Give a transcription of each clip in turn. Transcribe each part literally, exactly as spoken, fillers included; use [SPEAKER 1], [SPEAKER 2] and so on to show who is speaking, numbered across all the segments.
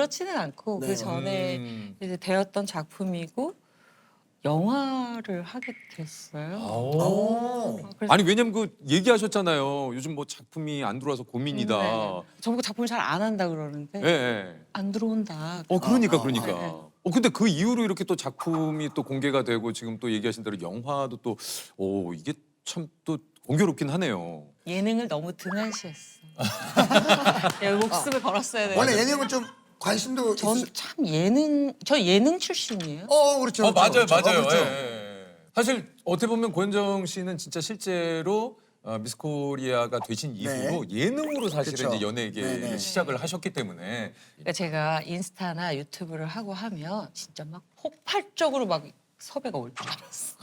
[SPEAKER 1] 그렇지는 않고
[SPEAKER 2] 네.
[SPEAKER 1] 그 전에
[SPEAKER 3] 음.
[SPEAKER 1] 이제 되었던 작품이고 영화를 하게 됐어요.
[SPEAKER 2] 오.
[SPEAKER 1] 그래서
[SPEAKER 3] 아니 왜냐면 그 얘기하셨잖아요. 요즘 뭐 작품이 안 들어와서 고민이다.
[SPEAKER 1] 네. 저보고 작품을 잘 안 한다 그러는데
[SPEAKER 3] 예. 예.
[SPEAKER 1] 안 들어온다.
[SPEAKER 3] 어 그러니까
[SPEAKER 2] 아,
[SPEAKER 3] 그러니까.
[SPEAKER 1] 네.
[SPEAKER 3] 어 근데 그 이후로 이렇게 또 작품이 또 공개가 되고 지금 또 얘기하신 대로 영화도 또 오 이게 참 또 공교롭긴 하네요.
[SPEAKER 1] 예능을 너무 등한시했어. 예, 목숨을 걸었어야 돼.
[SPEAKER 2] 원래 예능은 좀 관심도
[SPEAKER 1] 전
[SPEAKER 2] 있으...
[SPEAKER 1] 참 예능 저 예능 출신이에요.
[SPEAKER 2] 어 그렇죠.
[SPEAKER 3] 어
[SPEAKER 2] 그렇죠,
[SPEAKER 3] 맞아요
[SPEAKER 2] 그렇죠.
[SPEAKER 3] 맞아요.
[SPEAKER 2] 어, 그렇죠.
[SPEAKER 3] 예, 예. 사실 어떻게 보면 고현정 씨는 진짜 실제로 어, 미스 코리아가 되신 이후로 예능으로 사실은
[SPEAKER 2] 그쵸.
[SPEAKER 3] 이제 연예계를
[SPEAKER 2] 네네.
[SPEAKER 3] 시작을 하셨기 때문에
[SPEAKER 1] 그러니까 제가 인스타나 유튜브를 하고 하면 진짜 막 폭발적으로 막 섭외가 올 줄 알았어.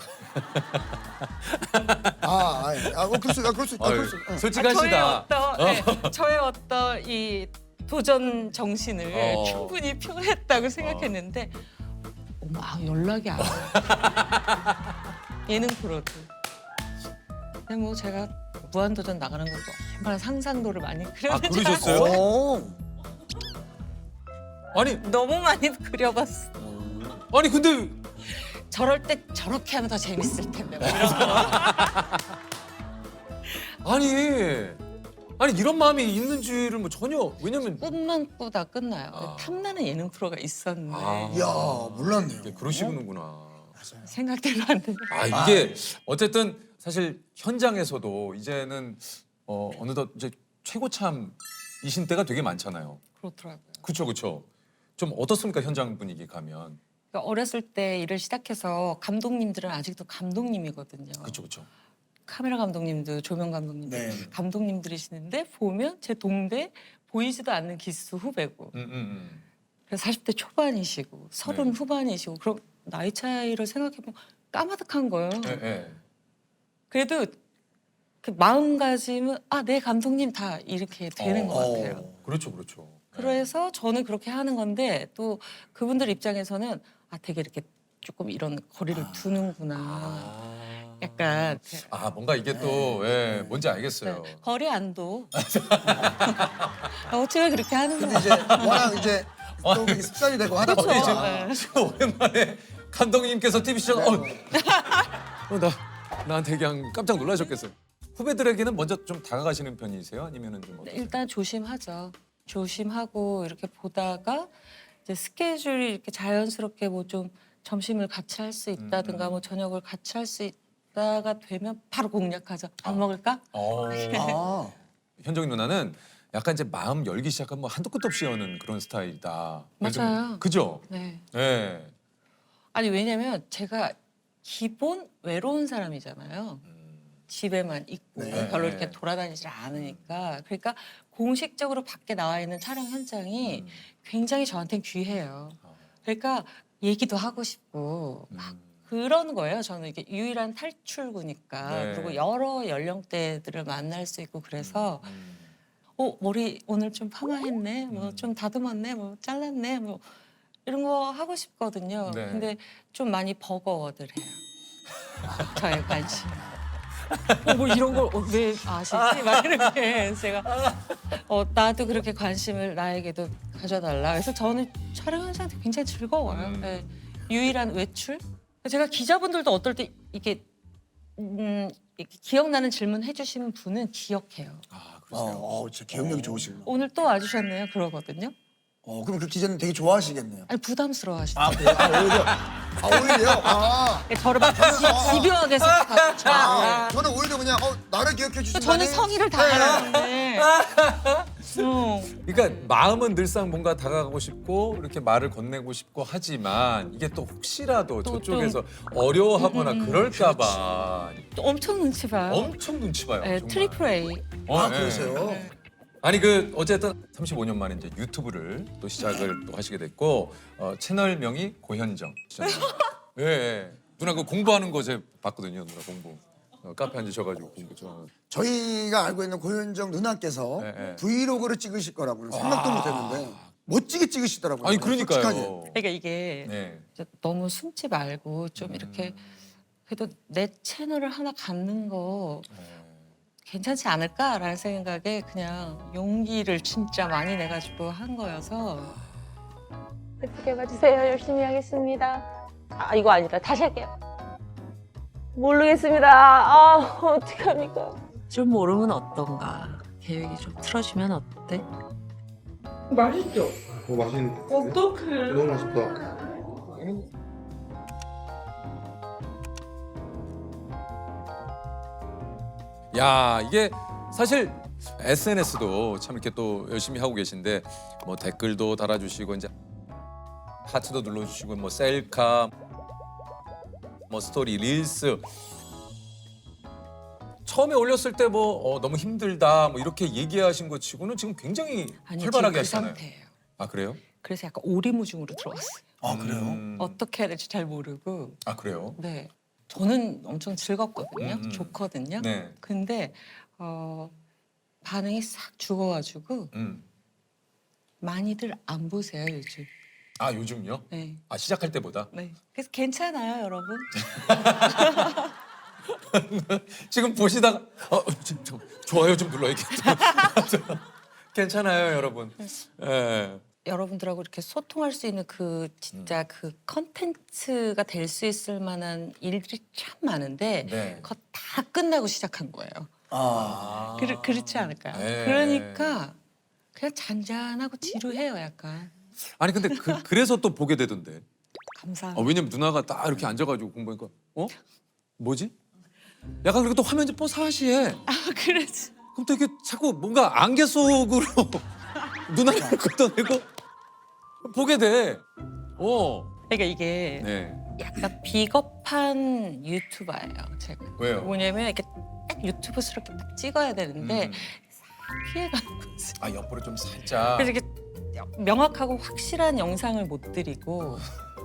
[SPEAKER 2] 아, 아, 예. 아, 어, 그럴 수, 아, 그럴 수, 아, 그럴 수. 응.
[SPEAKER 1] 저의
[SPEAKER 3] 솔직하시다.
[SPEAKER 1] 어떤 네, 저의 어떤 이 도전 정신을
[SPEAKER 3] 어.
[SPEAKER 1] 충분히 표했다고 생각했는데 어머 아, 연락이 안 와. 예능 프로도. 근데 뭐 제가 무한도전 나가는 것도 얼마나 상상도를 많이
[SPEAKER 3] 아
[SPEAKER 1] 그렸는지
[SPEAKER 3] 그러셨어요?
[SPEAKER 2] 오.
[SPEAKER 3] 아니
[SPEAKER 1] 너무 많이 그려봤어.
[SPEAKER 3] 아니 근데
[SPEAKER 1] 저럴 때 저렇게 하면 더 재밌을 텐데 뭐 이런 거.
[SPEAKER 3] 아니 아니 이런 마음이 있는 줄은 뭐 전혀 왜냐면
[SPEAKER 1] 꿈만 꾸다 끝나요.
[SPEAKER 3] 아.
[SPEAKER 1] 탐나는 예능 프로가 있었는데
[SPEAKER 3] 아.
[SPEAKER 2] 이야, 몰랐네요.
[SPEAKER 3] 이게 그러시는구나.
[SPEAKER 2] 맞아요.
[SPEAKER 1] 생각대로 안 되네.
[SPEAKER 3] 아 이게 어쨌든 사실 현장에서도 이제는 어, 어느덧 이제 최고참이신 때가 되게 많잖아요.
[SPEAKER 1] 그렇더라고요.
[SPEAKER 3] 그렇죠, 그렇죠. 좀 어떻습니까 현장 분위기 가면?
[SPEAKER 1] 그러니까 어렸을 때 일을 시작해서 감독님들은 아직도 감독님이거든요.
[SPEAKER 3] 그렇죠, 그렇죠.
[SPEAKER 1] 카메라 감독님도 조명 감독님도
[SPEAKER 2] 네.
[SPEAKER 1] 감독님들이시는데 보면 제 동대 보이지도 않는 기수 후배고
[SPEAKER 3] 음, 음, 음.
[SPEAKER 1] 그래서 사십 대 초반이시고 서른
[SPEAKER 3] 네.
[SPEAKER 1] 후반이시고 그럼 나이 차이를 생각해보면 까마득한 거예요.
[SPEAKER 3] 예, 예.
[SPEAKER 1] 그래도 그 마음가짐은 아, 네 감독님 다 이렇게 되는
[SPEAKER 3] 어.
[SPEAKER 1] 것 같아요.
[SPEAKER 3] 그렇죠, 그렇죠.
[SPEAKER 1] 그래서 저는 그렇게 하는 건데 또 그분들 입장에서는 아 되게 이렇게 조금 이런 거리를 두는구나.
[SPEAKER 3] 아,
[SPEAKER 1] 약간
[SPEAKER 3] 아 뭔가 이게 또 예, 뭔지 알겠어요.
[SPEAKER 1] 네, 거리 안도. 어떻게 그렇게 하는
[SPEAKER 2] 근데
[SPEAKER 1] 거야?
[SPEAKER 2] 이제 워낙 이제 또 그게 습관이 되고 하다
[SPEAKER 1] 그렇죠.
[SPEAKER 2] 보니까
[SPEAKER 1] 네.
[SPEAKER 3] 지금 오랜만에 감독님께서 티비 시청 어, 어, 나 나한테 그냥 깜짝 놀라셨겠어요. 후배들에게는 먼저 좀 다가가시는 편이세요? 아니면은 좀 어떠세요?
[SPEAKER 1] 일단 조심하죠. 조심하고 이렇게 보다가 이제 스케줄이 이렇게 자연스럽게 뭐 좀 점심을 같이 할 수 있다든가
[SPEAKER 3] 음.
[SPEAKER 1] 뭐 저녁을 같이 할 수 있다가 되면 바로 공략하죠. 밥
[SPEAKER 3] 아.
[SPEAKER 1] 먹을까?
[SPEAKER 3] 어.
[SPEAKER 2] 아,
[SPEAKER 3] 현정이 누나는 약간 이제 마음 열기 시작하면 뭐 한도 끝도 없이 여는 그런 스타일이다.
[SPEAKER 1] 맞아요.
[SPEAKER 3] 그죠?
[SPEAKER 1] 네.
[SPEAKER 3] 네.
[SPEAKER 1] 아니 왜냐면 제가 기본 외로운 사람이잖아요. 집에만 있고
[SPEAKER 2] 네.
[SPEAKER 1] 별로 이렇게 돌아다니질 않으니까 그러니까 공식적으로 밖에 나와 있는 촬영 현장이
[SPEAKER 3] 음.
[SPEAKER 1] 굉장히 저한테는 귀해요. 그러니까 얘기도 하고 싶고 막
[SPEAKER 3] 음.
[SPEAKER 1] 그런 거예요. 저는 이게 유일한 탈출구니까
[SPEAKER 3] 네.
[SPEAKER 1] 그리고 여러 연령대들을 만날 수 있고 그래서
[SPEAKER 3] 음.
[SPEAKER 1] 어 머리 오늘 좀 파마했네, 뭐
[SPEAKER 3] 음.
[SPEAKER 1] 좀 다듬었네, 뭐 잘랐네, 뭐 이런 거 하고 싶거든요.
[SPEAKER 3] 네.
[SPEAKER 1] 근데 좀 많이 버거워들해요. 저의 관심. 어, 뭐 이런 걸 왜 아시지? 막 이렇게 제가 어, 나도 그렇게 관심을 나에게도 가져달라. 그래서 저는 촬영 현장도 굉장히 즐거워요.
[SPEAKER 3] 음.
[SPEAKER 1] 네. 유일한 외출? 제가 기자분들도 어떨 때 이렇게, 음, 이렇게 기억나는 질문 해주시는 분은 기억해요.
[SPEAKER 3] 아
[SPEAKER 2] 어,
[SPEAKER 3] 그러세요.
[SPEAKER 2] 어, 진짜 기억력이 좋으시구나.
[SPEAKER 1] 오늘 또 와주셨네요. 그러거든요.
[SPEAKER 2] 어, 그럼 그 기자님 되게 좋아하시겠네요.
[SPEAKER 1] 아니 부담스러워하시죠.
[SPEAKER 2] 아, 그래요? 아, 오히려. 아, 오히려요? 아.
[SPEAKER 1] 저를 막 지- 집요하게 생각하고.
[SPEAKER 2] 아,
[SPEAKER 1] 아,
[SPEAKER 2] 저는 오히려 그냥 어, 나를 기억해 주신
[SPEAKER 1] 저는 성의를 다하는데. 어.
[SPEAKER 3] 그러니까 마음은 늘상 뭔가 다가가고 싶고 이렇게 말을 건네고 싶고 하지만 이게 또 혹시라도
[SPEAKER 1] 또
[SPEAKER 3] 저쪽에서 어려워하거나
[SPEAKER 1] 음, 음, 음.
[SPEAKER 3] 그럴까봐
[SPEAKER 1] 엄청 눈치 봐요.
[SPEAKER 3] 엄청 눈치 봐요.
[SPEAKER 1] 네,
[SPEAKER 3] 정말.
[SPEAKER 1] 트리플 A.
[SPEAKER 3] 어,
[SPEAKER 2] 아,
[SPEAKER 3] 예.
[SPEAKER 2] 그러세요?
[SPEAKER 3] 아니 그 어쨌든 삼십오 년 만에 이제 유튜브를 또 시작을 또 하시게 됐고 어, 채널명이 고현정. 예, 예. 누나 그 공부하는 거 제가 봤거든요. 누나 공부. 어, 카페 앉으셔가지고 공부 좀.
[SPEAKER 2] 저희가 알고 있는 고현정 누나께서
[SPEAKER 3] 네, 네.
[SPEAKER 2] 브이로그를 찍으실 거라고는 생각도 못 했는데 멋지게 찍으시더라고요.
[SPEAKER 3] 아니 그러니까요.
[SPEAKER 2] 솔직하게.
[SPEAKER 1] 그러니까 이게
[SPEAKER 3] 네.
[SPEAKER 1] 이제 너무 숨지 말고 좀 이렇게 그래도 내 채널을 하나 갖는 거 괜찮지 않을까라는 생각에 그냥 용기를 진짜 많이 내가지고 한 거여서
[SPEAKER 4] 예쁘게 봐주세요. 열심히 하겠습니다. 아 이거 아니다. 다시 할게요. 모르겠습니다. 아 어떡합니까?
[SPEAKER 1] 좀 모르면 어떤가. 계획이 좀 틀어지면 어때?
[SPEAKER 4] 맛있죠?
[SPEAKER 5] 어, 맛있는
[SPEAKER 4] 어떡해.
[SPEAKER 5] 너무 맛있다.
[SPEAKER 3] 야, 이게 사실 에스엔에스도 참 이렇게 또 열심히 하고 계신데 뭐 댓글도 달아주시고 이제 하트도 눌러주시고 뭐 셀카, 뭐 스토리, 릴스. 처음에 올렸을 때 뭐 어, 너무 힘들다 뭐 이렇게 얘기하신 것 치고는 지금 굉장히
[SPEAKER 1] 아니
[SPEAKER 3] 활발하게
[SPEAKER 1] 지금 그
[SPEAKER 3] 하시잖아요.
[SPEAKER 1] 상태예요.
[SPEAKER 3] 아 그래요?
[SPEAKER 1] 그래서 약간 오리무중으로 들어왔어요.
[SPEAKER 2] 아 그래요?
[SPEAKER 3] 음.
[SPEAKER 1] 어떻게 해야 될지 잘 모르고.
[SPEAKER 3] 아 그래요?
[SPEAKER 1] 네. 저는 엄청 즐겁거든요.
[SPEAKER 3] 음, 음.
[SPEAKER 1] 좋거든요.
[SPEAKER 3] 네.
[SPEAKER 1] 근데 어, 반응이 싹 죽어가지고
[SPEAKER 3] 음.
[SPEAKER 1] 많이들 안 보세요 요즘.
[SPEAKER 3] 아 요즘요?
[SPEAKER 1] 네.
[SPEAKER 3] 아 시작할 때보다?
[SPEAKER 1] 네. 그래서 괜찮아요, 여러분.
[SPEAKER 3] 지금 보시다가 어, 좀, 좀, 좋아요 좀 눌러야겠다. 괜찮아요, 여러분. 예.
[SPEAKER 1] 여러분들하고 이렇게 소통할 수 있는 그 진짜
[SPEAKER 3] 음.
[SPEAKER 1] 그 컨텐츠가 될 수 있을 만한 일들이 참 많은데
[SPEAKER 3] 네.
[SPEAKER 1] 그거 다 끝나고 시작한 거예요.
[SPEAKER 2] 아.
[SPEAKER 1] 그렇, 그렇지 않을까요?
[SPEAKER 3] 네.
[SPEAKER 1] 그러니까 그냥 잔잔하고 지루해요, 약간.
[SPEAKER 3] 아니 근데 그, 그래서 또 보게 되던데.
[SPEAKER 1] 감사합니다.
[SPEAKER 3] 어, 왜냐면 누나가 딱 이렇게 앉아가지고 공부하니까 어? 뭐지? 약간 그리고 또 화면 좀 뽀사시해.
[SPEAKER 1] 아, 그래지.
[SPEAKER 3] 그럼 또 이게 자꾸 뭔가 안개 속으로 누나를 걷어내고 보게 돼. 어.
[SPEAKER 1] 그러니까 이게
[SPEAKER 3] 네.
[SPEAKER 1] 약간 비겁한 유튜버예요, 제가.
[SPEAKER 3] 왜요?
[SPEAKER 1] 뭐냐면 이렇게 딱 유튜브스럽게 딱 찍어야 되는데
[SPEAKER 3] 음.
[SPEAKER 1] 싹 피해가는 거지.
[SPEAKER 3] 아 옆으로 좀 살짝.
[SPEAKER 1] 그래서 이렇게 명확하고 확실한 영상을 못 드리고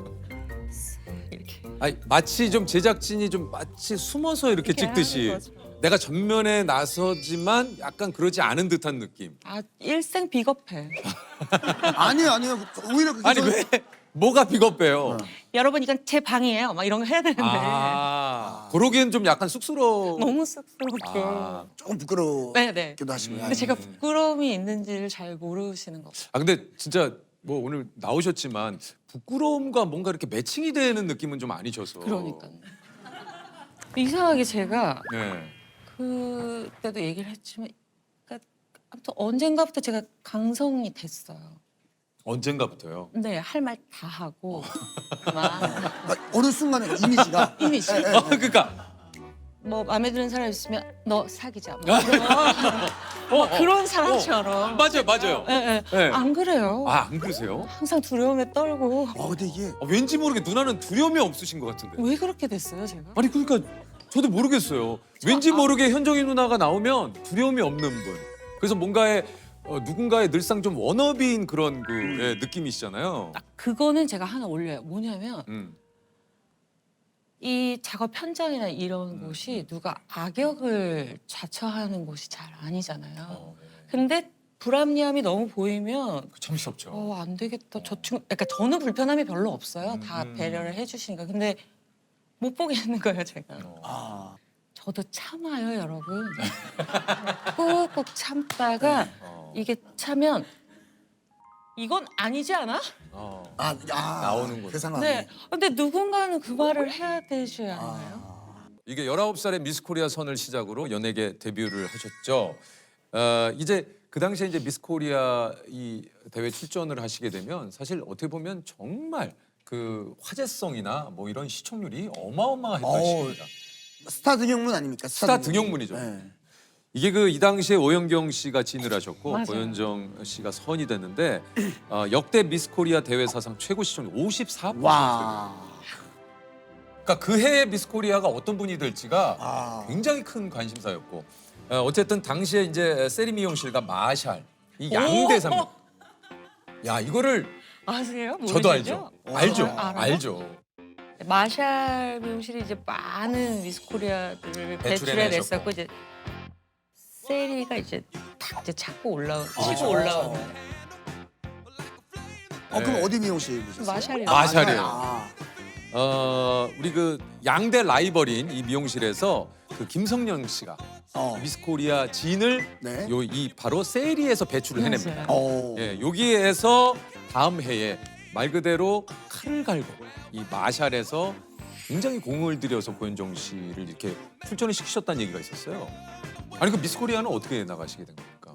[SPEAKER 1] 이렇게
[SPEAKER 3] 아니 마치 좀 제작진이 좀 마치 숨어서 이렇게
[SPEAKER 1] 이렇게
[SPEAKER 3] 찍듯이
[SPEAKER 1] 하는 거죠.
[SPEAKER 3] 내가 전면에 나서지만 약간 그러지 않은 듯한 느낌.
[SPEAKER 1] 아 일생 비겁해.
[SPEAKER 2] 아니요 아니요 오히려 그게
[SPEAKER 3] 아니
[SPEAKER 2] 더-
[SPEAKER 3] 왜 뭐가 비겁해요?
[SPEAKER 2] 어.
[SPEAKER 1] 여러분 이건 제 방이에요. 막 이런 거 해야 되는데
[SPEAKER 3] 아, 그러기엔 좀 약간 쑥스러워.
[SPEAKER 1] 너무 쑥스럽게.
[SPEAKER 3] 아,
[SPEAKER 2] 조금 부끄럽기도
[SPEAKER 1] 네네.
[SPEAKER 2] 하시고요.
[SPEAKER 1] 근데 제가 부끄러움이 있는지를 잘 모르시는 거.
[SPEAKER 3] 아 근데 진짜 뭐 오늘 나오셨지만 부끄러움과 뭔가 이렇게 매칭이 되는 느낌은 좀 아니셔서.
[SPEAKER 1] 그러니까 이상하게 제가
[SPEAKER 3] 네.
[SPEAKER 1] 그때도 얘기를 했지만, 그러니까 아무튼 언젠가부터 제가 강성이 됐어요.
[SPEAKER 3] 언젠가부터요.
[SPEAKER 1] 네, 할 말 다 하고 막
[SPEAKER 2] 아, 어느 순간에 이미지가
[SPEAKER 1] 이미지.
[SPEAKER 2] 예, 예,
[SPEAKER 3] 아, 그러니까
[SPEAKER 1] 뭐 마음에 드는 사람 있으면 너 사귀자. 막
[SPEAKER 3] 아.
[SPEAKER 1] 이런
[SPEAKER 3] 어, 어,
[SPEAKER 1] 그런
[SPEAKER 3] 어.
[SPEAKER 1] 사람처럼.
[SPEAKER 3] 맞아요, 맞아요.
[SPEAKER 1] 예, 예.
[SPEAKER 3] 네.
[SPEAKER 1] 안 그래요.
[SPEAKER 3] 아, 안 그러세요?
[SPEAKER 1] 항상 두려움에 떨고.
[SPEAKER 2] 어 근데 이게
[SPEAKER 3] 아, 왠지 모르게 누나는 두려움이 없으신 것 같은데.
[SPEAKER 1] 왜 그렇게 됐어요, 제가?
[SPEAKER 3] 아니 그러니까 저도 모르겠어요. 왠지 모르게 현정이 누나가 나오면 두려움이 없는 분. 그래서 뭔가의 어, 누군가의 늘상 좀 워너비인 그런 그 예, 느낌이시잖아요.
[SPEAKER 1] 딱 그거는 제가 하나 올려요. 뭐냐면
[SPEAKER 3] 음.
[SPEAKER 1] 이 작업 현장이나 이런
[SPEAKER 3] 음,
[SPEAKER 1] 곳이 누가 악역을 자처하는 곳이 잘 아니잖아요.
[SPEAKER 3] 어, 네.
[SPEAKER 1] 근데 불합리함이 너무 보이면
[SPEAKER 3] 그 참스럽죠.
[SPEAKER 1] 어, 안 되겠다. 저 친구, 그러니까 저는 불편함이 별로 없어요.
[SPEAKER 3] 음,
[SPEAKER 1] 다
[SPEAKER 3] 음.
[SPEAKER 1] 배려를 해주시니까. 근데 못 보겠는 거예요, 제가.
[SPEAKER 3] 어.
[SPEAKER 2] 아
[SPEAKER 1] 저도 참아요, 여러분. 꾹꾹 참다가
[SPEAKER 3] 어.
[SPEAKER 1] 이게 차면 이건 아니지 않아?
[SPEAKER 3] 어.
[SPEAKER 2] 아, 아,
[SPEAKER 3] 나오는구나.
[SPEAKER 2] 그 상황이.
[SPEAKER 1] 네. 근데 누군가는 그 말을 해야 되지 않나요?
[SPEAKER 2] 아,
[SPEAKER 3] 이게 열아홉 살에 미스 코리아 선을 시작으로 연예계 데뷔를 하셨죠. 어, 이제 그 당시에 이제 미스 코리아 이 대회 출전을 하시게 되면 사실 어떻게 보면 정말 그 화제성이나 뭐 이런 시청률이 어마어마했던
[SPEAKER 2] 어우,
[SPEAKER 3] 시기입니다.
[SPEAKER 2] 스타 등용문 아닙니까?
[SPEAKER 3] 스타 등용문이죠.
[SPEAKER 2] 네.
[SPEAKER 3] 이게 그 이 당시에 오영경 씨가 진을 하셨고
[SPEAKER 1] 맞아요.
[SPEAKER 3] 고현정 씨가 선이 됐는데 어, 역대 미스 코리아 대회 사상 최고 시청률 오십사 퍼센트.
[SPEAKER 2] 와.
[SPEAKER 3] 그러니까 그 해의 미스 코리아가 어떤 분이 될지가
[SPEAKER 2] 아.
[SPEAKER 3] 굉장히 큰 관심사였고 어, 어쨌든 당시에 이제 세리 미용실과 마샬 이 양대 산맥. 야 이거를
[SPEAKER 1] 아세요?
[SPEAKER 3] 저도
[SPEAKER 1] 모르시죠?
[SPEAKER 3] 알죠. 알죠.
[SPEAKER 1] 아, 알아요?
[SPEAKER 3] 알죠.
[SPEAKER 1] 마샬 미용실이 이제 많은 미스 코리아들을 배출해 냈었고 이제 세리가 이제 탁 이제 찾고 올라오 치고
[SPEAKER 2] 아.
[SPEAKER 1] 올라오는
[SPEAKER 2] 어 그럼
[SPEAKER 3] 네.
[SPEAKER 2] 어디 미용실이셨어요?
[SPEAKER 1] 마샬이요.
[SPEAKER 2] 아,
[SPEAKER 3] 마샬이요.
[SPEAKER 2] 아,
[SPEAKER 3] 어 우리 그 양대 라이벌인 이 미용실에서 그 김성령 씨가
[SPEAKER 2] 어.
[SPEAKER 3] 미스 코리아 진을
[SPEAKER 2] 네.
[SPEAKER 3] 요 이 바로 세리에서 배출을 해냅니다.
[SPEAKER 1] 맞아요.
[SPEAKER 2] 어.
[SPEAKER 3] 예, 여기에서 다음 해에 말 그대로 칼을 갈고 이 마샬에서 굉장히 공을 들여서 고현정 씨를 이렇게 출전을 시키셨다는 얘기가 있었어요. 아니 그 미스 코리아는 어떻게 나가시게 된 겁니까?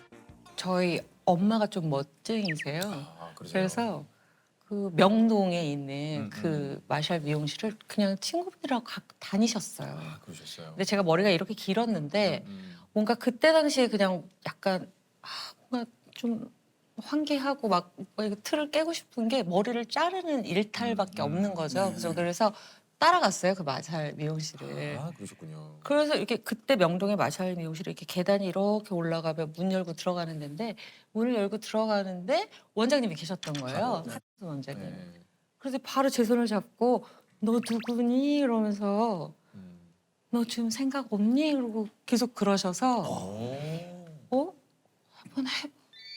[SPEAKER 1] 저희 엄마가 좀 멋쟁이세요.
[SPEAKER 3] 아, 그러세요?
[SPEAKER 1] 그래서 그 명동에 있는
[SPEAKER 3] 음,
[SPEAKER 1] 그 마샬 미용실을 그냥 친구분들하고 가, 다니셨어요.
[SPEAKER 3] 아, 그러셨어요.
[SPEAKER 1] 근데 제가 머리가 이렇게 길었는데
[SPEAKER 3] 음,
[SPEAKER 1] 뭔가 그때 당시에 그냥 약간 아, 뭔가 좀 환기하고 막 이거 틀을 깨고 싶은 게 머리를 자르는 일탈밖에
[SPEAKER 3] 음,
[SPEAKER 1] 없는 거죠.
[SPEAKER 2] 네.
[SPEAKER 1] 그래서 그래서 따라갔어요 그 마샬 미용실을.
[SPEAKER 3] 아, 그러셨군요.
[SPEAKER 1] 그래서 이렇게 그때 명동의 마샬 미용실에 이렇게 계단이 이렇게 올라가면 문 열고 들어가는 데인데 문을 열고 들어가는데 원장님이 계셨던 거예요.
[SPEAKER 3] 바로,
[SPEAKER 1] 하트 원장님.
[SPEAKER 3] 네.
[SPEAKER 1] 그래서 바로 제 손을 잡고 너 누구니 이러면서
[SPEAKER 3] 음.
[SPEAKER 1] 너 지금 생각 없니? 그러고 계속 그러셔서 어? 한번 해봐.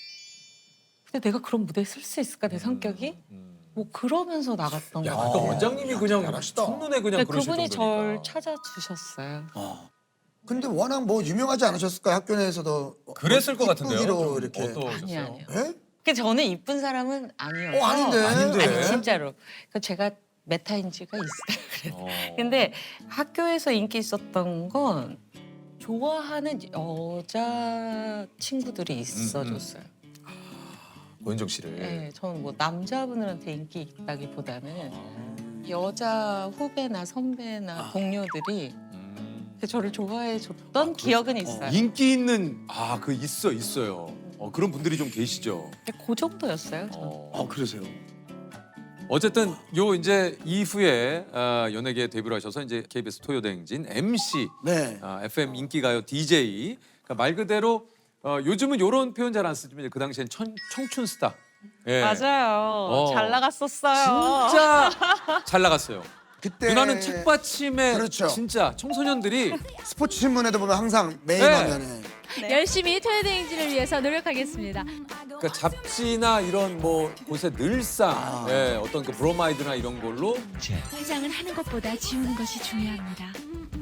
[SPEAKER 1] 근데 내가 그런 무대에 설 수 있을까 내 성격이?
[SPEAKER 3] 음.
[SPEAKER 1] 뭐 그러면서 나갔던
[SPEAKER 3] 야,
[SPEAKER 1] 거
[SPEAKER 3] 아까
[SPEAKER 1] 같아요.
[SPEAKER 3] 원장님이
[SPEAKER 2] 야,
[SPEAKER 3] 그냥
[SPEAKER 2] 잘하시다.
[SPEAKER 3] 첫눈에 그냥
[SPEAKER 1] 근데
[SPEAKER 3] 그러실
[SPEAKER 1] 그분이
[SPEAKER 3] 정도니까.
[SPEAKER 1] 절 찾아주셨어요.
[SPEAKER 2] 어. 근데 워낙 뭐 유명하지 않으셨을까요? 학교 내에서도
[SPEAKER 3] 그랬을 것 같은데요.
[SPEAKER 2] 이쁘기로
[SPEAKER 3] 좀
[SPEAKER 2] 이렇게.
[SPEAKER 3] 어떠셨어요?
[SPEAKER 1] 아니 아니요.
[SPEAKER 2] 예?
[SPEAKER 1] 그 저는 이쁜 사람은 아니어서.
[SPEAKER 2] 어, 아닌데.
[SPEAKER 3] 아닌데.
[SPEAKER 1] 아니 진짜로. 그 제가 메타인지가 있어요. 그래서.
[SPEAKER 3] 어.
[SPEAKER 1] 근데 학교에서 인기 있었던 건 좋아하는 여자 친구들이 있어줬어요.
[SPEAKER 3] 고현정 씨를.
[SPEAKER 1] 네, 저는 뭐 남자분들한테 인기 있다기보다는
[SPEAKER 3] 아.
[SPEAKER 1] 여자 후배나 선배나 동료들이
[SPEAKER 3] 음.
[SPEAKER 1] 저를 좋아해 줬던 기억은 있어요.
[SPEAKER 3] 인기 있는 아 그 있어 있어요. 어, 그런 분들이 좀 계시죠.
[SPEAKER 1] 근데 그 정도였어요. 저는.
[SPEAKER 3] 어.
[SPEAKER 2] 어, 그러세요.
[SPEAKER 3] 어쨌든 요 이제 이후에 어, 연예계에 데뷔를 하셔서 이제 케이비에스 토요대행진 엠씨,
[SPEAKER 2] 네.
[SPEAKER 3] 어, 에프엠 인기가요 디제이. 그러니까 말 그대로 어, 요즘은 요런 표현 잘 안 쓰지만 그 당시엔 천, 청춘 스타. 예.
[SPEAKER 1] 맞아요.
[SPEAKER 3] 어.
[SPEAKER 1] 잘 나갔었어요.
[SPEAKER 3] 진짜 잘 나갔어요.
[SPEAKER 2] 그때
[SPEAKER 3] 누나는 책받침에
[SPEAKER 2] 그렇죠.
[SPEAKER 3] 진짜 청소년들이
[SPEAKER 2] 스포츠 신문에도 보면 항상 메인
[SPEAKER 3] 네.
[SPEAKER 2] 화면에
[SPEAKER 5] 열심히 토요대행진을 위해서 노력하겠습니다.
[SPEAKER 3] 그러니까 잡지나 이런 뭐 곳에 늘상
[SPEAKER 2] 아.
[SPEAKER 3] 예, 어떤 그 브로마이드나 이런 걸로
[SPEAKER 5] 화장은 하는 것보다 지우는 것이 중요합니다.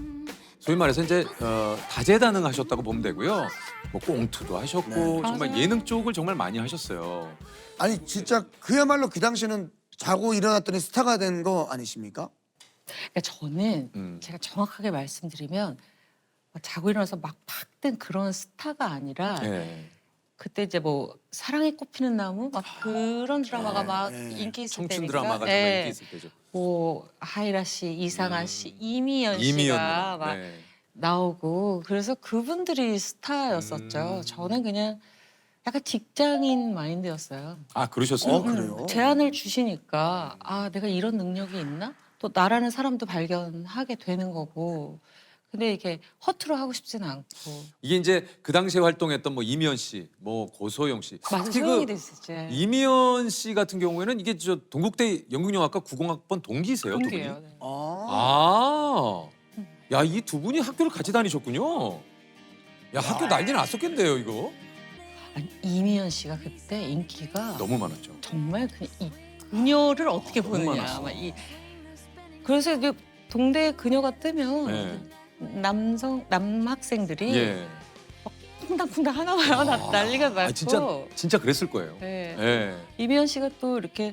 [SPEAKER 3] 소위 말해서 이제 어, 다재다능하셨다고 보면 되고요. 뭐 꽁투도 하셨고
[SPEAKER 2] 네.
[SPEAKER 3] 정말
[SPEAKER 1] 맞아요.
[SPEAKER 3] 예능 쪽을 정말 많이 하셨어요.
[SPEAKER 2] 아니 진짜 그야말로 그 당시는 자고 일어났더니 스타가 된 거 아니십니까?
[SPEAKER 1] 그러니까 저는
[SPEAKER 3] 음.
[SPEAKER 1] 제가 정확하게 말씀드리면 막 자고 일어나서 막 팍 뜬 그런 스타가 아니라
[SPEAKER 3] 예.
[SPEAKER 1] 그때 이제 뭐 사랑이 꽃피는 나무 막 그런 드라마가 막
[SPEAKER 2] 네.
[SPEAKER 1] 인기 있을
[SPEAKER 3] 청춘
[SPEAKER 1] 때니까
[SPEAKER 3] 드라마가 정말
[SPEAKER 1] 네.
[SPEAKER 3] 인기 있을 때죠.
[SPEAKER 1] 뭐 하이라 씨, 이상아 씨, 이미연 씨가
[SPEAKER 3] 이미연
[SPEAKER 1] 막
[SPEAKER 3] 네.
[SPEAKER 1] 나오고 그래서 그분들이 스타였었죠.
[SPEAKER 3] 음.
[SPEAKER 1] 저는 그냥 약간 직장인 마인드였어요.
[SPEAKER 3] 아 그러셨어요?
[SPEAKER 2] 어, 그래요?
[SPEAKER 1] 제안을 주시니까 아 내가 이런 능력이 있나? 또 나라는 사람도 발견하게 되는 거고. 근데 이게 허투루 하고 싶지는 않고.
[SPEAKER 3] 이게 이제 그 당시에 활동했던 뭐 이미연 씨, 뭐 고소영 씨.
[SPEAKER 1] 맞아
[SPEAKER 3] 특히
[SPEAKER 1] 소용이
[SPEAKER 3] 그
[SPEAKER 1] 됐었지.
[SPEAKER 3] 이미연 씨 같은 경우에는 이게 저 동국대 연극영화과 구공학번 동기세요, 두 분이?
[SPEAKER 1] 동기예요. 네.
[SPEAKER 2] 아.
[SPEAKER 3] 아, 야 이 두 분이 학교를 같이 다니셨군요. 야 학교 난리 났었겠네요 이거.
[SPEAKER 1] 아니, 이미연 씨가 그때 인기가
[SPEAKER 3] 너무 많았죠.
[SPEAKER 1] 정말 그냥 이 그녀를 어떻게
[SPEAKER 3] 너무
[SPEAKER 1] 보느냐.
[SPEAKER 3] 많았어.
[SPEAKER 1] 막 이, 그래서 이제 동대에 그녀가 뜨면
[SPEAKER 3] 네.
[SPEAKER 1] 남성 남학생들이
[SPEAKER 3] 예.
[SPEAKER 1] 쿵당쿵당 하나 봐요. 나 난리가 났고.
[SPEAKER 3] 아, 진짜 진짜 그랬을 거예요.
[SPEAKER 1] 네.
[SPEAKER 3] 예.
[SPEAKER 1] 이미연 씨가 또 이렇게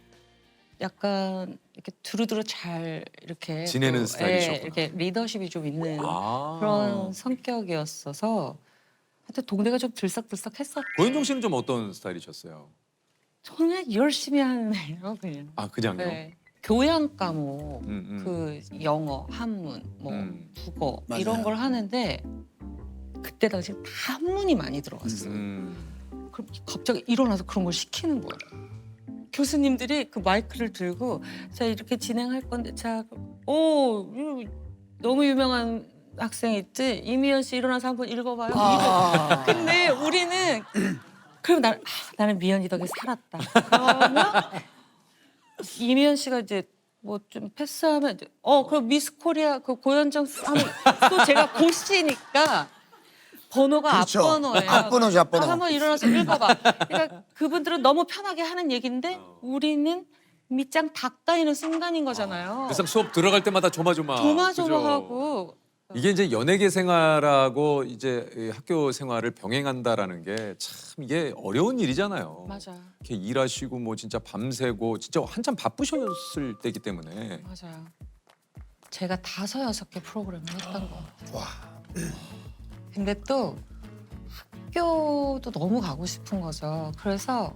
[SPEAKER 1] 약간 이렇게 두루두루 잘 이렇게
[SPEAKER 3] 지내는
[SPEAKER 1] 또,
[SPEAKER 3] 스타일이셨구나.
[SPEAKER 1] 예, 이렇게 리더십이 좀 있는
[SPEAKER 3] 아.
[SPEAKER 1] 그런 성격이었어서 하여튼 동네가 좀 들썩들썩했었죠.
[SPEAKER 3] 고현정 씨는 좀 어떤 스타일이셨어요?
[SPEAKER 1] 저는 열심히 하는 애요 그냥.
[SPEAKER 3] 아 그냥요.
[SPEAKER 1] 네. 교양 과목,
[SPEAKER 3] 음, 음.
[SPEAKER 1] 그 영어, 한문, 뭐
[SPEAKER 3] 음.
[SPEAKER 1] 국어
[SPEAKER 2] 맞아요.
[SPEAKER 1] 이런 걸 하는데 그때 당시 다 한문이 많이 들어갔어요.
[SPEAKER 3] 음.
[SPEAKER 1] 그럼 갑자기 일어나서 그런 걸 시키는 거예요. 교수님들이 그 마이크를 들고 자 이렇게 진행할 건데 자, 오 이거 너무 유명한 학생 있지 이미연 씨 일어나서 한번 읽어봐요. 이거.
[SPEAKER 2] 아.
[SPEAKER 1] 근데 우리는 그럼 나, 아, 나는 미연이 덕에 살았다. 그러면 이미연 씨가 이제 뭐 좀 패스하면 이제 어 그럼 미스 코리아 그 고현정 하면 또 제가 고씨니까 번호가
[SPEAKER 2] 그렇죠.
[SPEAKER 1] 앞번호예요.
[SPEAKER 2] 앞번호죠, 앞번호.
[SPEAKER 1] 아, 한번 일어나서 읽어봐. 그러니까 그분들은 너무 편하게 하는 얘기인데 우리는 밑장 닦아이는 순간인 거잖아요.
[SPEAKER 3] 그래서 수업 들어갈 때마다 조마조마.
[SPEAKER 1] 조마조마하고
[SPEAKER 3] 이게 이제 연예계 생활하고 이제 이 학교 생활을 병행한다라는 게 참 이게 어려운 일이잖아요.
[SPEAKER 1] 맞아요.
[SPEAKER 3] 이렇게 일하시고 뭐 진짜 밤새고 진짜 한참 바쁘셨을 때기 때문에
[SPEAKER 1] 맞아요. 제가 다섯 여섯 개 프로그램을 했던 것 같아요.
[SPEAKER 2] 와.
[SPEAKER 1] 근데 또 학교도 너무 가고 싶은 거죠. 그래서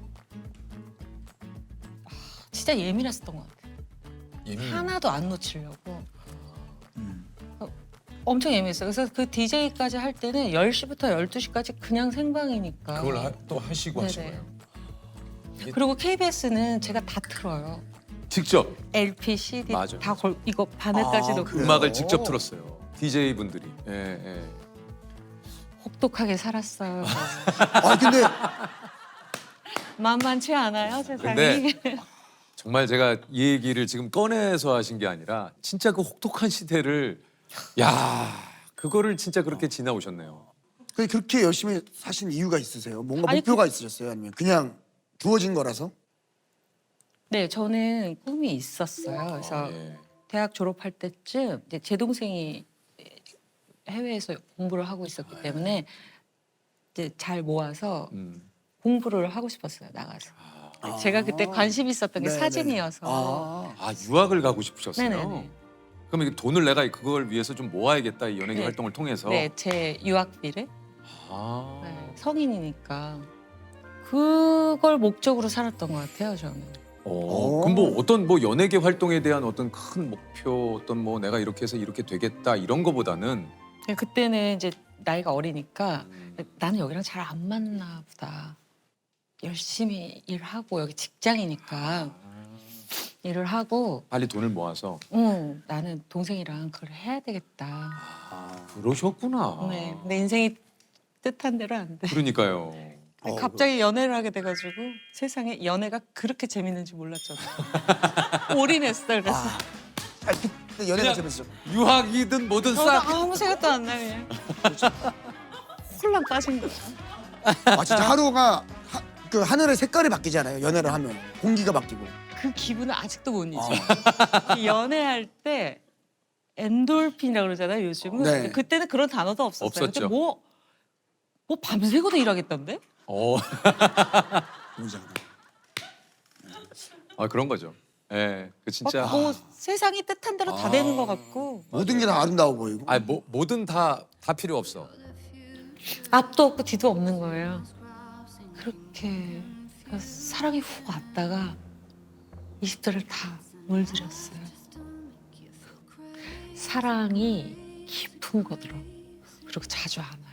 [SPEAKER 1] 아, 진짜 예민했었던 것 같아요.
[SPEAKER 3] 예민.
[SPEAKER 1] 하나도 안 놓치려고
[SPEAKER 2] 음.
[SPEAKER 1] 엄청 예민했어요. 그래서 그 디제이까지 할 때는 열 시부터 열두 시까지 그냥 생방이니까.
[SPEAKER 3] 그걸 하, 또 하시고 하신
[SPEAKER 1] 네네.
[SPEAKER 3] 거예요.
[SPEAKER 1] 그리고 케이비에스는 제가 다 틀어요.
[SPEAKER 3] 직접
[SPEAKER 1] 엘피, 씨디
[SPEAKER 3] 맞아요.
[SPEAKER 1] 다 걸, 이거 바늘까지
[SPEAKER 2] 아,
[SPEAKER 1] 넣고
[SPEAKER 2] 그래요?
[SPEAKER 3] 음악을 직접 틀었어요. 디제이 분들이. 예, 예.
[SPEAKER 1] 혹독하게 살았어요.
[SPEAKER 2] 아 근데
[SPEAKER 1] 만만치 않아요, 세상이.
[SPEAKER 3] 근데 정말 제가 이 얘기를 지금 꺼내서 하신 게 아니라 진짜 그 혹독한 시대를 야 그거를 진짜 그렇게 지나오셨네요.
[SPEAKER 2] 그 그렇게 열심히 사신 이유가 있으세요? 뭔가
[SPEAKER 1] 아니,
[SPEAKER 2] 목표가 있으셨어요? 아니면 그냥 주어진 거라서?
[SPEAKER 1] 네, 저는 꿈이 있었어요. 그래서
[SPEAKER 3] 아, 예.
[SPEAKER 1] 대학 졸업할 때쯤 이제 제 동생이 해외에서 공부를 하고 있었기 때문에 이제 잘 모아서
[SPEAKER 3] 음.
[SPEAKER 1] 공부를 하고 싶었어요, 나가서. 제가 그때 관심 있었던 게
[SPEAKER 2] 네네.
[SPEAKER 1] 사진이어서.
[SPEAKER 2] 아.
[SPEAKER 3] 아 유학을 가고 싶으셨어요.
[SPEAKER 1] 네네네.
[SPEAKER 3] 그럼 이게 돈을 내가 그걸 위해서 좀 모아야겠다 이 연예계
[SPEAKER 1] 네.
[SPEAKER 3] 활동을 통해서.
[SPEAKER 1] 네, 제 유학비를.
[SPEAKER 3] 아.
[SPEAKER 1] 네, 성인이니까 그걸 목적으로 살았던 것 같아요, 저는.
[SPEAKER 3] 어, 그럼 뭐 어떤 뭐 연예계 활동에 대한 어떤 큰 목표, 어떤 뭐 내가 이렇게 해서 이렇게 되겠다 이런 거보다는
[SPEAKER 1] 네, 그때는 이제 나이가 어리니까
[SPEAKER 3] 음,
[SPEAKER 1] 나는 여기랑 잘 안 맞나 보다. 열심히 일하고 여기 직장이니까 일을 하고
[SPEAKER 3] 빨리 돈을 모아서.
[SPEAKER 1] 응, 나는 동생이랑 그걸 해야 되겠다.
[SPEAKER 3] 아, 그러셨구나.
[SPEAKER 1] 네, 내 인생이 뜻한 대로 안 돼.
[SPEAKER 3] 그러니까요.
[SPEAKER 2] 어,
[SPEAKER 1] 갑자기 연애를 하게 돼가지고 세상에 연애가 그렇게 재밌는지 몰랐잖아요. 올인했어요. 그래서
[SPEAKER 2] 아, 아 그때 연애가
[SPEAKER 3] 그냥-
[SPEAKER 2] 재밌었죠.
[SPEAKER 3] 유학이든 뭐든
[SPEAKER 1] 저도
[SPEAKER 3] 싹.
[SPEAKER 1] 아무 생각도 안 나요. 홀랑 빠진 거야.
[SPEAKER 2] 아 진짜 하루가 하, 그 하늘의 색깔이 바뀌잖아요. 연애를 하면 공기가 바뀌고.
[SPEAKER 1] 그 기분을 아직도 못 잊어. 그 연애할 때 엔돌핀이라고 그러잖아요. 요즘은.
[SPEAKER 2] 네.
[SPEAKER 1] 근데 그때는 그런 단어도 없었어요.
[SPEAKER 3] 없었죠.
[SPEAKER 1] 근데 뭐, 뭐 밤새고도 일하겠던데?
[SPEAKER 3] 어,
[SPEAKER 2] 뭔지 알아요?
[SPEAKER 3] 아 그런 거죠. 예, 그 진짜.
[SPEAKER 1] 막 뭐 세상이 뜻한 대로 다 되는 것 같고
[SPEAKER 2] 모든 게 다 아름다워 보이고.
[SPEAKER 3] 아, 뭐 뭐든 다 다 필요 없어.
[SPEAKER 1] 앞도 없고 뒤도 없는 거예요. 그렇게 그 사랑이 훅 왔다가 이십 대를 다 물들였어요. 사랑이 깊은 거더라고. 그리고 자주 안 와.